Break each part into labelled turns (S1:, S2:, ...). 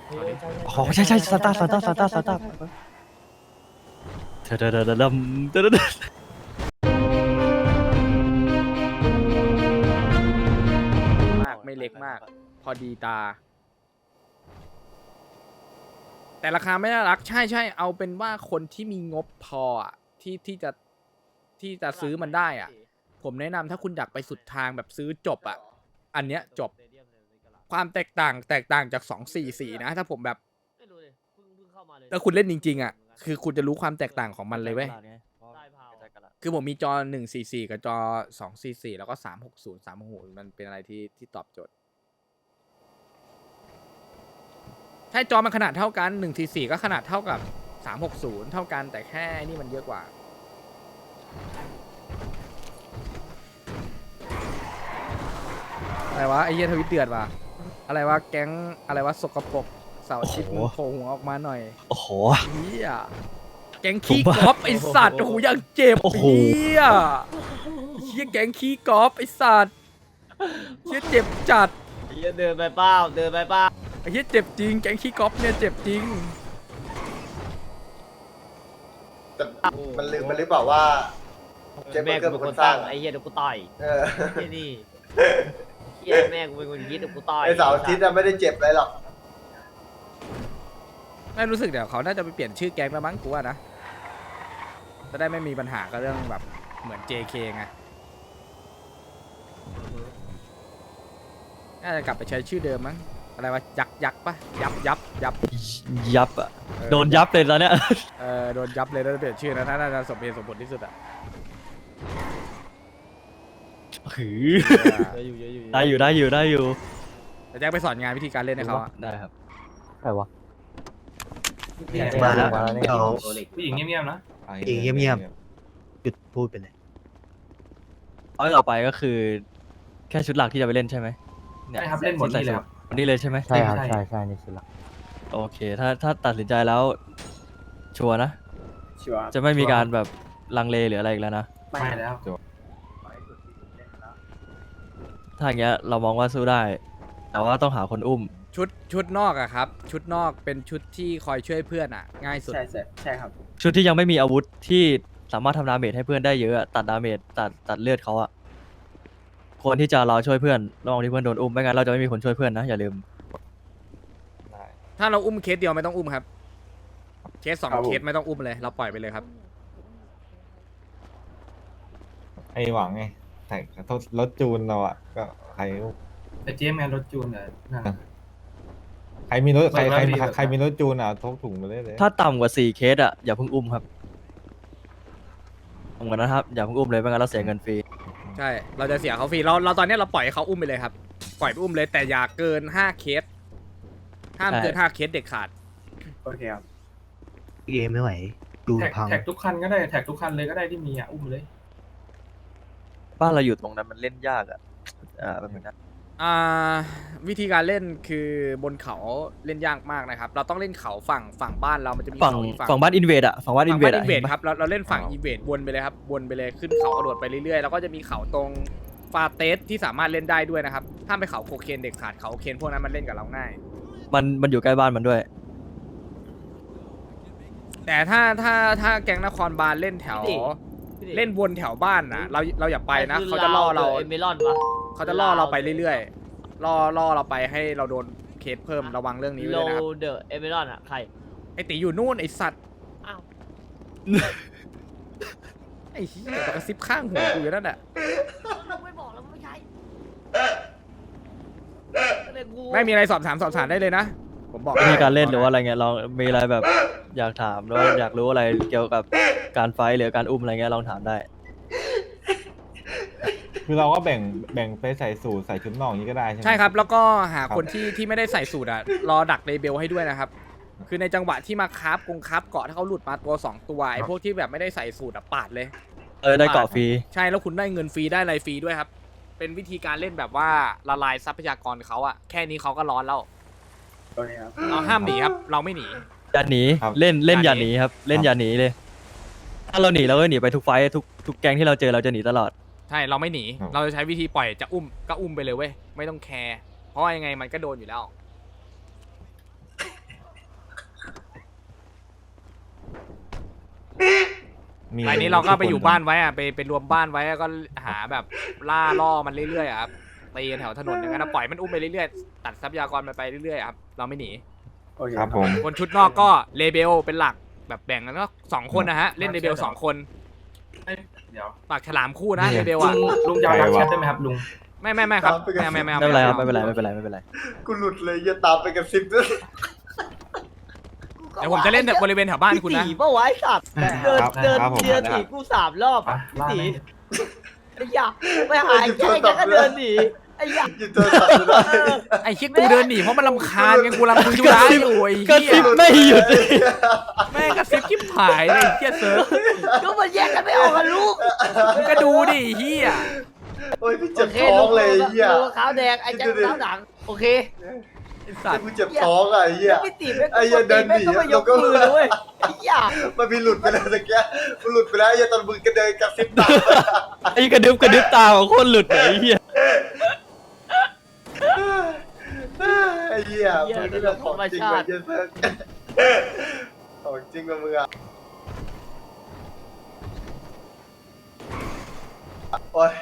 S1: อ๋อใช่สตาร์เดดม
S2: มากไม่เล็กมาก พอดีตา แต่ราคาไม่น่ารักใช่เอาเป็นว่าคนที่มีงบพออะที่จะซื้อมันได้อ่ะ ผมแนะนำถ้าคุณอยากไปสุดทางแบบซื้อจบอ่ะ อันเนี้ยจบความแตกต่างจาก244นะถ้าผมแบบถ้าคุณเล่นจริงๆอ่ะคือคุณจะรู้ความแตกต่างของมันเลยเว้ยคือผมมีจอ144กับจอ244แล้วก็360มันเป็นอะไรที่ตอบโจทย์ใช่จอมันขนาดเท่ากัน144ก็ขนาดเท่ากับ360เท่ากันแต่แค่นี่มันเยอะกว่าอะไรวะไอ้เหี้ยทวิตเดือดว่ะอะไรวะแก๊งอะไรวะสกปรกเสาร์อาทิตย์มึงโผล่หัวออกมาหน่อย
S1: โอ้โห
S2: เฮียแก๊งขี้กอล์ฟไอสัตว์โอ้โหยังเจ็บ
S1: โอ้โห
S2: เฮียแก๊งขี้กอล์ฟไอสัตว์เฮียเจ็บจัด
S3: เดินไปเป้าเดินไปเป้า
S2: ไอเฮียเจ็บจริงแก๊งขี้กอล์ฟเนี่ยเจ็บจริง
S4: แต่มันลืมหรือเปล่าว่าเจฟเบอ
S3: แม่
S4: ร์เกอ
S3: กู
S4: ร์
S3: เป็
S4: เป็น น
S3: ค
S4: คน นส
S3: สร้า
S4: ร้าง ง
S3: ไอ้เหี้ยเดี๋ยวกูต่อย
S4: เออ
S3: เหี้ยนี่เหี้ยแม่กูเป็นคนคิดเดี๋ยวกูต่อย
S4: ไอเสาร์อาทิตย์อะไม่ได้เจ็บอะไรหรอก
S2: ไม่รู้สึกเดี๋ยวเขาน่าจะไปเปลี่ยนชื่อแก๊งแล้วมั้งกูว่านะจะได้ไม่มีปัญหากับเรื่องแบบเหมือน JK ไงน่าจะกลับไปใช้ชื่อเดิมมั้งอะไรวะยักษ์ปะยับ
S1: ยับอ่ะ
S2: เออ
S1: โดนยับเลยตอนเนี้ย
S2: โดนยับเลยแล้วเปลี่ยนชื่อนะน่าจะสมเหตุสมผลที่สุดอะ
S1: หือได้อยู่
S2: แต่แจ็คไปสอนงานวิธีการเล่นให้เขาอะ
S1: ได้ครับ
S5: ใครวะ
S4: มาแล้ว
S5: เดี๋ยว
S6: ผู้หญิงเงียบๆนะ
S5: อีกเงียบๆหยุดพูดไปเลย
S1: เอาต่อไปก็คือ แค่ชุดหลักที่จะไปเล่นใช่ไหมเนี่ย
S6: ใช่ครับเล่นหมดนี่เลยครับ
S1: วันนี้เลยใช่ไหม
S5: ใช่ครับ
S6: ใช่
S5: ใช่นี่สุดละ
S1: โอเค ถ้าตัดสินใจแล้ว ชัวร์นะ
S4: ชัวร์
S1: จะไม่มีการแบบลังเลหรืออะไรอีกแล้วนะ
S6: ไม่แล้ว
S1: ถ้าอย่างเงี้ยเรามองว่าสู้ได้ แต่ว่าต้องหาคนอุ้ม
S2: ชุดนอกอะครับชุดนอกเป็นชุดที่คอยช่วยเพื่อนอะง่ายสุด
S4: ใช่ครับ
S1: ชุดที่ยังไม่มีอาวุธที่สามารถทำดาเมจให้เพื่อนได้เยอะอะตัดดาเมจตัดเลือดเขาอะควรที่จะรอช่วยเพื่อนระหว่างที่เพื่อนโดนอุ้มไม่งั้นเราจะไม่มีคนช่วยเพื่อนนะอย่าลืม
S2: ถ้าเราอุ้มเคสเดียวไม่ต้องอุ้มครับ เคสสอง
S4: ครับผม
S2: เคสไม่ต้องอุ้มเลยเราปล่อยไปเลยครับ
S7: ไอ้หวังไงแต่รถจูนเราอ่ะก็ใคร
S6: แต่เจมแมนรถจูนเนี่ยนั่นน่ะ
S7: ใครมีรถใคร
S6: เราได้ดีกว่า
S7: ใครมีรถจูนอ่ะทกถุงมาได้เลย
S1: ถ้าต่ำกว่า4 เคสอะอย่าเพิ่งอุ้มครับต่ำกว่านั้นครับอย่าเพิ่งอุ้มเลยไม่งั้นเราเสียเงินฟรี
S2: ใช่เราจะเสียเขาฟรีเราตอนนี้เราปล่อยให้เขาอุ้มไปเลยครับปล่อยไปอุ้มเลยแต่อย่าเกิน5 เคสห้ามเกิน5 เคสเด็ดขาด
S4: โอเคครับ
S5: เอไม่ไหว ดู
S6: แท็ก
S5: พัง
S6: แท็กทุกคันก็ได้แท็กทุกคันเลยก็ได้ที่มีอ่ะอุ้มเลย
S1: บ้านเราอยู่ตรงนั้นมันเล่นยากอะแบบนั้น
S2: วิธีการเล่นคือบนเขาเล่นยากมากนะครับ เราต้องเล่นเขาฝั่งบ้านเรามันจะมี
S1: ฝั่ง
S2: เขาอีก
S1: ฝั่งบ้านอินเวดอะฝั่งบ้านอินเวดอะ
S2: อินเวดครับเราเล่นฝั่งอินเวดวนไปเลยครับวนไปเลยขึ้นเขากระโดดไปเรื่อยๆแล้วก็จะมีเขาตรงฟาเตสที่สามารถเล่นได้ด้วยนะครับห้ามไปเขาโคเคนเด็กขาดเขาโคเคนพวกนั้นมันเล่นกับเราง่าย
S1: มันอยู่ใกล้บ้านมันด้วย
S2: แต่ถ้าแก๊งนครบาลเล่นแถวเล่นวนแถวบ้านนะเราอย่าไปนะเขาจะล่อเรา
S3: เอเมลอนวะ
S2: เขาจะล่อเราไปเรื่อยๆล่อเราไปให้เราโดนเคสเพิ่มระวังเรื่องนี้ไว้
S3: โล
S2: เลยนะครับ
S3: เดอเอเมลอนอ่ะใคร
S2: ไอตีอยู่นู่นไอสัตว์
S3: อ้าว
S2: ไอเหี้ยกระซิบข้างหัวกูอยู่นั่นแหละ
S3: เราไม่บอกแล้วไม่ใช่เรียกกู
S2: ไม่มีอะไรสอบถามได้เลยนะผมบอก
S1: มีการเล่นหรือว่าอะไรเงี้ยลองมีอะไรแบบอยากถามหรือว่าอยากรู้อะไรเกี่ยวกับการไฟท์หรือการอุ้มอะไรเงี้ยลองถามได้
S7: คือเราก็แบ่งไปใส่สูทใส่ชุดนอกอย่างนี้ก็ได้ใช่ไหม
S2: ใช่ครับแล้วก็หาคนที่ไม่ได้ใส่สูตรอะรอดักเลเบลให้ด้วยนะครับคือในจังหวะที่มาคราฟเกาะถ้าเขาหลุดมาตัว2ตัวไอพวกที่แบบไม่ได้ใส่สูตรอะปาดเลย
S1: ได้เกาะฟรี
S2: ใช่แล้วคุณได้เงินฟรีได้อะไรฟรีด้วยครับ เป็นวิธีการเล่นแบบว่าละลายทรัพยากรเขาอะแค่นี้เขาก็ร้อนแล้ว
S4: โอเคครับ
S2: เราห้ามหนีครับ เราไม่หนี
S1: อย่าหนีเล่นอย่าหนีครับเล่นอย่าหนีเลย ถ้าเราหนีเราก็หนีไปทุกไฟท์ทุกแก๊งที่เราเจอเราจะหนีตลอด
S2: ใช่เราไม่หนี เราจะใช้วิธีปล่อยจะอุ้มก็อุ้มไปเลยเว้ยไม่ต้องแคร์เพราะว่ายังไงมันก็โดนอยู่แล้ว
S7: มี
S2: รายนี้เราก็ไปอยู่บ้านไว้อะไปรวมบ้านไว้แล้วก็หาแบบล่อมันเรื่อยๆอะครับตีกันแถวถนนอย่างนั้นนะปล่อยมันอุ้มไปเรื่อยๆตัดทรัพยากรมันไปเรื่อยๆครับเราไม่หนี
S4: โอเค
S7: ครับผม
S2: คนชุดนอกก็เลเบลเป็นหลักแบบแบ่งกันก็2 คนนะฮะเล่นเลเบล2 คน
S6: เอ้ยเดี๋ยว
S2: ปากฉลามคู่นะเลเบล
S6: ลุ
S2: อะ
S6: งลุงจะเอาดักแชทได้ไหมครับลุง
S2: ไม่ครับไม่
S1: ไม่เป็นไรครับไม่เป็นไรไม่เป็นไรไม่เป็นไร
S4: กูหลุดเลยอย่าตามไปกับซิปด้วย
S2: เดี๋ยวผมจะเล่นบริเวณแถวบ้านคุณนะ
S3: ตีเมื่อวานสัตว์เดิน
S7: ครับ
S3: เดิน
S7: ครับผม
S3: เดินตีกู3 รอบ
S6: ไปล่า
S3: ตี
S6: แม่ง
S3: ไอ้ยาไปหายแค่ก็เดินหนีไอ้ยา
S4: หยุดโทรศัพท์ไม่ได้
S2: ไอ้คิดกูเดินหนีเพราะมันรำคาญไงกูรำคุยธุระอยู่ไอ้
S1: กระ
S2: เหี้
S1: ซิ
S2: ย
S1: บไม่หยุด
S2: แม่งกระซิบชิบหายเลยไอ้เหี้ยเซิร์ฟ
S3: ก็มันแยกกันไม่ออกกันลูก
S2: มึงก็ดูดิไอ้เหี้ย
S4: โอ้ยพี่เจ็บท้องเลยไอ้เหี้ย
S3: ลูกขาวแดงไอ้แจ็คขาวหนังโอเค
S2: ไอ้สัตว์
S4: กูเจ็บท้องอ่ะไอ้เหี้ย
S3: พี่ตีแม่ง
S4: ไอ้เหี้ยเดินหนี
S3: ก็มายกมือเลยเว้ยไอ้ยา
S4: มันมีหลุดไปแล้วตะเกียมันหลุดไปแล้วไอ้เหี้ยตอนมึงกระเดินกับซิปตาม
S1: ไอ้กระดึบตาของคนหลุดไหนเฮีย
S4: ไอ้เหี้ยมันนี่แบบของจริงว่ะเหี้ยเซิร์ฟของจริงว่ะมึงอ่ะโอ้ย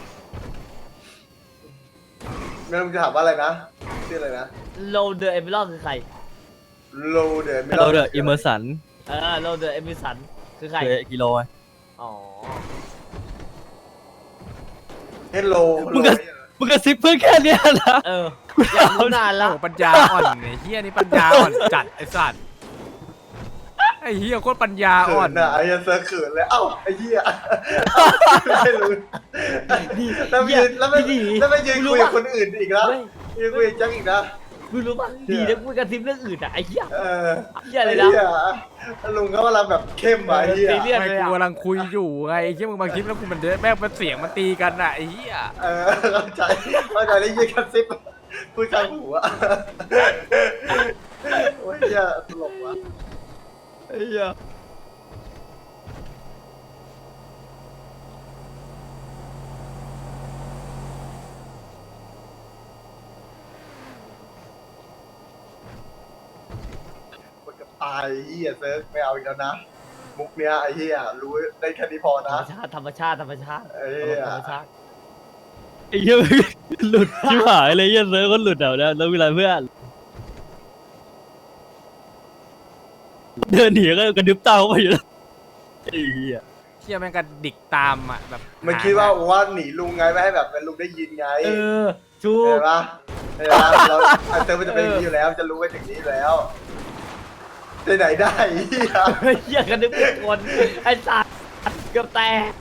S4: งั้นมึงจะถามว่าอะไรนะชื่ออะไรนะ
S3: โลเดอร์เอมิลอนคือใคร
S4: โลเดอร์ไม่
S1: เราเดอะอิมเมอร์สัน
S3: โลเดอร์เอมิสันคือใคร
S1: คือกิโลไง
S3: อ๋อ
S4: เฮลโล
S1: มึงกระซิบเพื่อแค่เนี้ยนะ
S3: อยากรู้นานแล้ว
S2: โอ้ปัญญาอ่อนไอ้เหี้ยนี่ปัญญาอ่อนจัดไอ้สัตว์ไอ้เหี้ยโคตรปัญญา
S4: เขิ
S2: อ่อน
S4: นอ่ะไอ้เหี้ยเซิร์ฟเขินเลยเอ้าไอ้เหี้ยไม่รู้แล้วไม่ยืนแล้วไม่ยืนคุยกับคนอื่นอีกแล้ว
S3: เฮ้ย
S4: ยืนคุยกับแจ็คอีกนะ
S3: มึงรู้ป่ะดีนะกูกระซิบเรื่องอื่นอ่ะไอ้เหี้ย
S4: เออ
S3: เหี้ยเลยนะ
S4: ลุงเขากำลังแบบเข้มอ่ะไอ้เหี้ย
S3: ซีเรียส
S2: ไม่
S3: เลย
S2: กู
S3: อ่ะ
S2: กำลังคุยอยู่ไงไอ้เหี้ยมึงมาคิดแล้วกูมันเดินแม่งเป็นเสียงมันตีกันอ่ะไอ้เหี้ย
S4: เออเข้าใจได้ยินกระซิบพูดข้างหูอ่ะโอ้ยเหี้ยตลกว่ะ
S1: ไอ้เหี้ย
S4: คนกับตายไอ้เหี้ยเซิร์ฟไม่เอาอีกแล้วนะมุกเนี้ยไอ้เหี้ยรู้ได้แค่นี้พอ
S3: ธร
S4: นะ
S3: รมชาติธรรมชาติธรรมชาติ
S4: ไอ้เหี้ย
S3: ธรรมชาติ
S1: ไอ้เหี้ยหลุดชิบหายเลยเหี้ยเซิร์ฟคนหลุดเดี๋ยวแล้วเวลาเพื่อนเดินหนีก็กระดึบตาเข้าไปอยู่แล้วไอ้เหี้ย
S2: เหี้ยแม่งกระดิกตามอ่ะแบบ
S4: มันคิดว่าหนีลุงไงไม่ให้แบบเป็นลุงได้ยินไง
S3: ชู
S4: เห็นปะเห็นปะเราไอเติร์มันจะเป็นอย่างนี้อยู่แล้ว จะรู้ไว้ถึงนี้อยู่แล้วไปไหนได้ไอ้เหี้ย
S3: เหี้ยกันนึกเป็นคนไอ้สัตว์เกือบแตก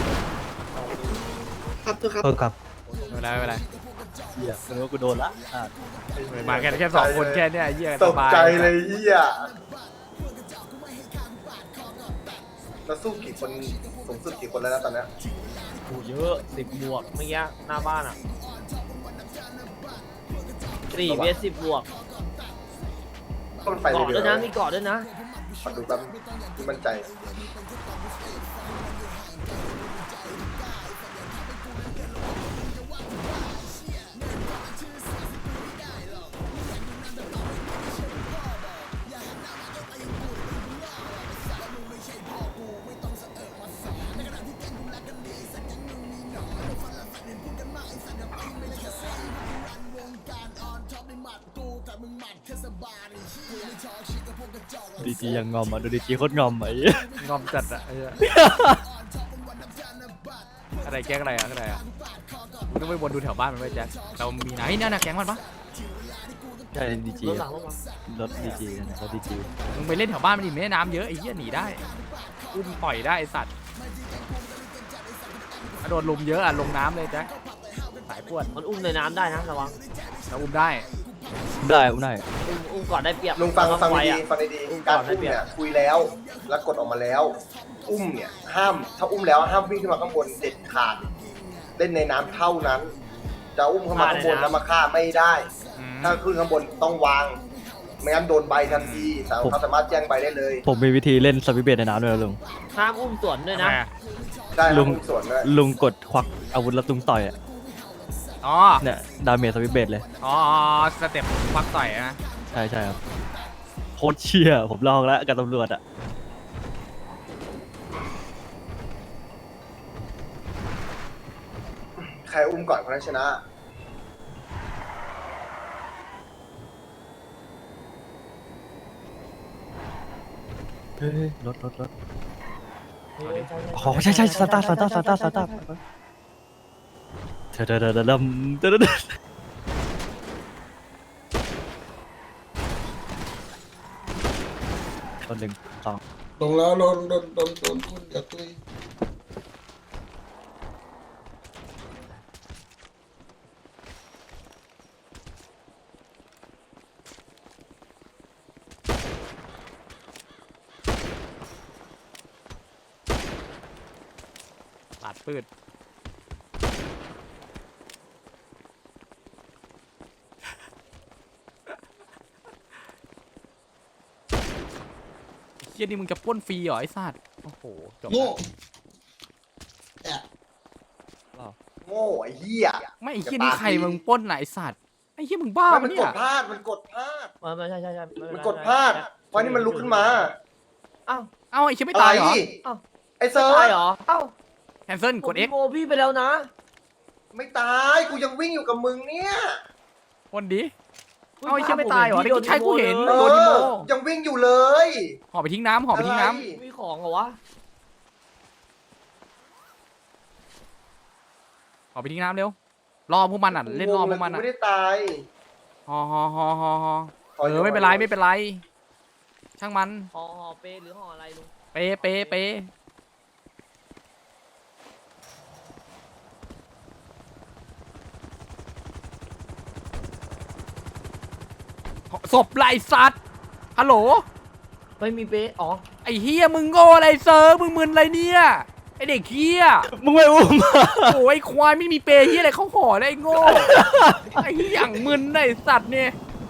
S5: โทษครับ
S2: ไม่เป็นไร
S1: เหี้ยเออกูโดนละอ่ะ
S2: มาแค่2 คนแค่เนี้ยไอ้เหี้ย
S4: ต
S2: ส
S4: ก
S2: บาย
S4: ใจเลยเหี้ยเราสู้กี่คนสูงสุดกี่คนแล้วนะตอนเนี้ย
S3: โหเยอะ10 บวกเมื่อกี้หน้าบ้านอ่ะ4 เมตร 10 บวก
S4: ก็มันไป
S3: เกาะ
S4: เรื่
S3: ด้วย
S4: อย
S3: นะ
S4: ๆ
S3: มีเกาะด้วยนะ
S4: ขอดูแป๊บที่มั่นใจ
S1: ดีจียังงอมอ่ะดูดีจีโคตรงอมอ่ะไอ้เหี้ย
S2: งอมจัดอ่ะไอ้เหี้ยอะไรแก๊งอะไรอ่ะอะไรอ่ะมึงต้องไปวนดูแถวบ้านมันไว้แจ็คเรามีไหนเนี่ยนะแก๊งมันปะ
S1: ใช่ดีจี
S3: รถหลังรถหลัง
S1: รถดีจีนะรถดีจี
S2: มึงไปเล่นแถวบ้านมันดิแม่น้ำเยอะไอ้เหี้ยหนีได้อุ้มปล่อยได้ไอ้สัตว์โดนลุมเยอะอ่ะลงน้ำเลยแจ็คสายปวด
S3: มันอุ้มในน้ำได้นะระวัง
S2: เราอุ้มได้
S1: ได้อุ้มได้
S3: อุ้มก่อนได้เปรียบ
S4: ลุงฟัง
S3: ไฟ
S4: ดี
S3: อ่ะ
S4: ๆฟังดี
S3: อุ้ม
S4: ๆ
S3: ก่
S4: กา
S3: อ
S4: ร
S3: นได้
S4: อุ้ม
S3: เปรียบ
S4: เนี่ยคุยแล้วแล้วกดออกมาแล้ว อุ้มเนี่ยห้ามถ้าอุ้มแล้วห้ามวิ่งขึ้นมาข้างบนเด็ดขาดเล่นในน้ำเท่านั้น จะอุ้มเข้ามาข้างบนแล้วมาฆ่าไม่ได้
S2: อืม
S4: ถ้าขึ้นข้างบนต้องวางไม่งั้นโดนใบทันทีเขาสามารถแจ้งใบได้เลย
S1: ผมมีวิธีเล่นสวิตช์เบสในน้ำด้วยนะลุง
S3: ห้ามอุ้มสวนด้วยนะ
S2: ทำไมอ่ะ
S4: ได้
S1: ลุ
S4: ลุ
S1: ง
S4: งส่วนด้วย
S1: ลุงกดควักอาวุธแล้วลุงต่อยอ่ะ
S2: อ๋อ
S1: เนี่ยดาเมจสวิตช์เบสเลย
S2: อ๋อสเต็ปควักต่อยนะ
S1: ใช่ใช่ครับโคตรเชี่ยผมลองแล้วกับตำรวจอ่ะ
S4: ใครอุ้มก่อนคนนั้นชนะ
S1: เฮ้ยรถอ๋อใช่สตาร์ทเธอคนหนึ่งสอง
S4: ลงแล้วโดนคุณอย่าตุย
S2: ปาดปืดเฮียนี่มึงจะปล้นฟรีเหรอไอ้สัตว์โอ้โหจบ
S4: โง่
S2: แล้ว
S4: โง่ไอ้เหี้ย
S2: ไม่ไอ้เฮียนี่ใครมึงปล้นไหนะไอ้สัตว์ไอ้เฮียมึงบ้า
S4: มั
S2: ปะ
S4: น
S2: เนี่
S4: ก
S2: ย
S4: ดพลาดมันกดพลาด
S3: ไม่ใช่
S4: มันกดพลาดเพราะนี่มันลุกขึ้นมา
S3: อ้าว
S2: เอ้าไอ้เฮียไม่ตายเหรอ
S3: อ้าว
S4: ไอ้เซิร์
S3: ตาย
S4: ฟ
S3: เหรออ้าว
S2: แคนเซิลกด X
S3: โมพี่ไปแล้วนะ
S4: ไม่ตายกูยังวิ่งอยู่กับมึงเนี่ย
S2: คนดีเอ้าไอ้เฮียไม่ตายเหรอเด็กชายกูเห็น
S4: เอ
S2: โดนดิโม
S4: อยังวิ่งอยู่เลย
S2: ห่อไปทิ้งน้ำห่อไปทิ้งน้
S4: อะไร
S3: มีของเหรอวะ
S2: ำห่อไปทิ้งน้ำเร็วรอพวกมันอ่ะเล่นรอพวกมัน
S4: กู
S2: อ่ะ
S4: ไม่ได้ตาย
S2: ห่อไม่เป็นไรช่างมัน
S3: ห่อเปหรือห่ออะไรลุง
S2: เปศพไรสัตว์ฮัลโหล
S3: ไม่มีเปอ๋อ
S2: ไอ้เฮียมึงโง่อะไรเซอร์มึงมึนอะไรเนี่ยไอเด็กเฮีย
S1: มึงไม่อุ้ม
S2: โอ้ยควายไม่มีเปรย์เฮียอะไรเขาห่อได้ไอ้โง่ไอ้เหี้ยอย่างมึนไอ้สัตว์เนี่ย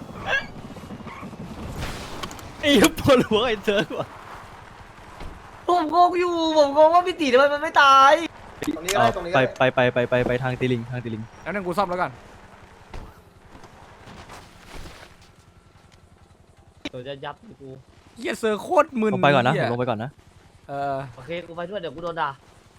S1: ไอ้ปวดหัวไอ้เธอว่ะ
S3: ผมงงอยู่ผมงงว่าพี่ตีทำไมมันไม่ตาย
S4: ตรงนี้ก็ได้ตรงนี้ก็ได้
S1: ไปทางตีลิง
S2: แล้วนั่นกูซ่อมแล้วกัน
S3: เดี๋ยวจะยับกู
S2: เฮียเซอร์โคตรมึน
S1: ลงไปก่อนนะ
S2: เหี้ย
S1: ลงไปก่อนนะ
S3: โอเคกูไปด้วยเดี๋ยวกูโดนด่า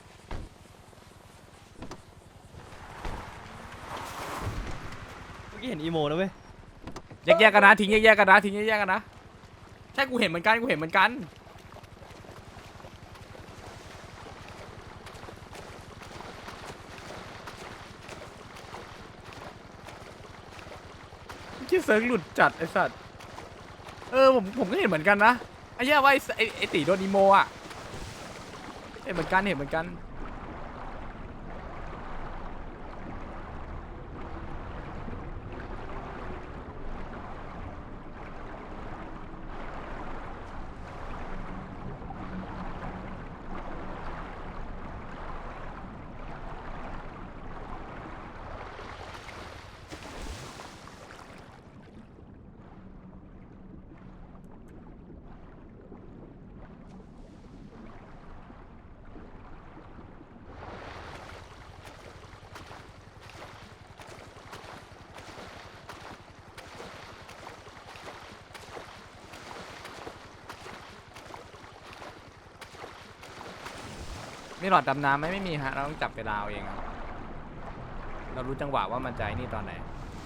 S1: เมื่อกี้เห็นอีโมนะเว้ย
S2: แยกกันนะทิ้งแยกกันนะทิ้งแยกกันนะใช่กูเห็นเหมือนกันที่เซิร์ฟหลุดจัดไอ้สัตว์ผมก็เห็นเหมือนกันนะไอ้เหี้ยว่าไอ้ตีโดนอีโมอ่ะเห็นเหมือนกันมีหลอดดำน้ำไหมไม่มีฮะเราต้องจับเวลาเอาเองครับเรารู้จังหวะว่ามันจะไอ้นี่ตอนไหน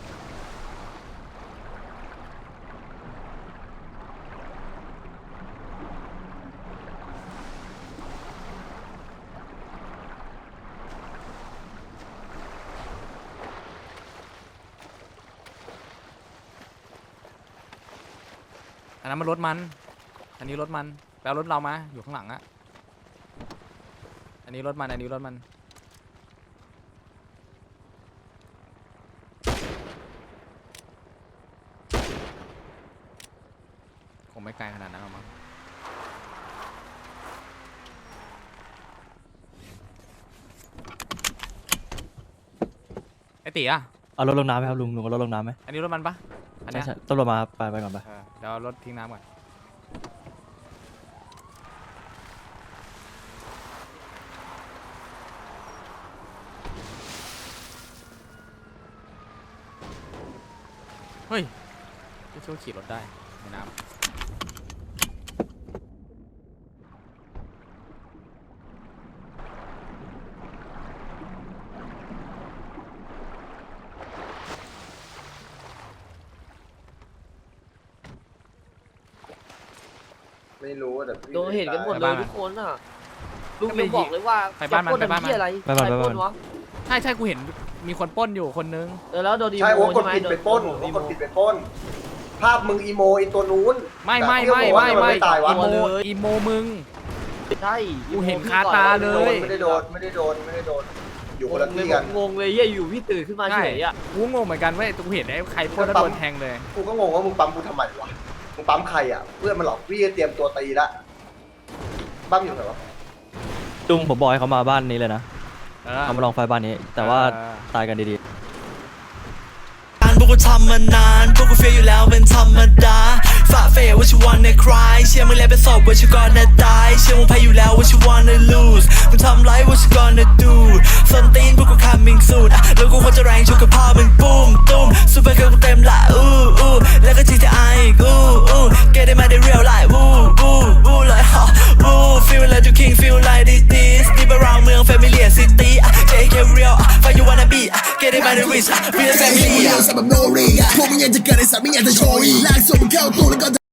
S2: อันนั้นมันรถมันอันนี้รถมันแปลรถเรามาอยู่ข้างหลังอะอันนี้รถมันคงไม่ไกลขนาดนั้นหรอกมั้งไอตีอะ
S1: เอารถลงน้ำไหมครับลุงเอารถลงน้ำไหม
S2: อันนี้รถมันปะอันเนี้ย
S1: ใช่ตำรวจมาไปก่อนไป
S2: เดี๋ยวเอารถทิ้งน้ำก่อนเฮ้ยไม่ช่วยขี่รถได้ในน้ำ
S4: ไม่รู้แต่พี่
S3: โดนเห็นกันหมด
S2: ไป
S3: เล
S2: บ้าย น
S3: ทุกคนอ่ะลุงยังบอกเลยว่า
S2: ไปบ้านมัน
S3: จะปล้
S2: ไปบ้านมัน
S3: ทำเหี้ยอะไร
S1: ไปบ้าน
S3: ใคร
S1: ไปบ้าน
S3: ปล้วะ
S2: ใช่กูเห็นมีคนปล้นอยู่คนนึง
S3: แล้วโดนอีโม
S4: ใช่โอ้กด
S3: ใช่ไหม
S4: ผิดไปปล้น
S3: โด
S4: โอ้
S3: อี
S4: ก
S3: โม
S4: ดผิดไปปล้น ภาพมึงอีโมไอตัวนู้น
S2: ไม่
S4: แต่
S2: ไม่
S4: พี่ก็
S2: ไม่
S4: บอกว่า
S2: ไม่
S4: ทำ
S2: ไม่
S4: ตายวะ
S2: อีโมอีโมมึง
S3: ใช่
S2: กูเห็นคาตาเลย
S4: ไม่ได้โดนอยู่คนละที่กัน
S3: งงเลยเหี้ยอยู่พี่ตื่นขึ้นมาเฉยอ่ะ
S2: กูงงเหมือนกันเว้ยกูเห็นไอ้ใครปล้นแล้วโดนแทงเลย
S4: กูก็งงว่ามึงปั๊มกูทำไมวะมึงปั๊มใครอ่ะเพื่อนมันหลอกพี่จะเตรียมตัวตีละบ้ามอยู่ไหนวะ
S1: ลุงผมบอกให้เขามาบ้านนี้เลยนะ
S2: เออ
S1: เขามาลองไฟบ้านนี้ แต่ว่า
S2: เออ
S1: ตายกันดี
S8: พวกกูทำมานานพวกกูเฟียอยู่แล้วเป็นธรรมดาฝ่าเฟย what you wanna cry เชื่อมึงแล้วเป็นศพ what you gonna die เชื่อมึงแพ้อยู่แล้ว what you wanna lose มึงทำไร what you gonna do ส้นตีนพวกกู coming soon แล้วกูควรจะแรงชกกับพ่อมึงปุ้มตุ้มซูเปอร์เกิร์ลกูเต็มละแล้วก็ GTI อีกget it มาได้ real life like feel like you king feel like this deep around เมือง familiar city JK real find you wanna be get it มาได้ rich real family
S9: พวกมึงยังจะเกิดในสายไม่อยากจะโชยลากส่งมึงเข้าตัวแล้วก็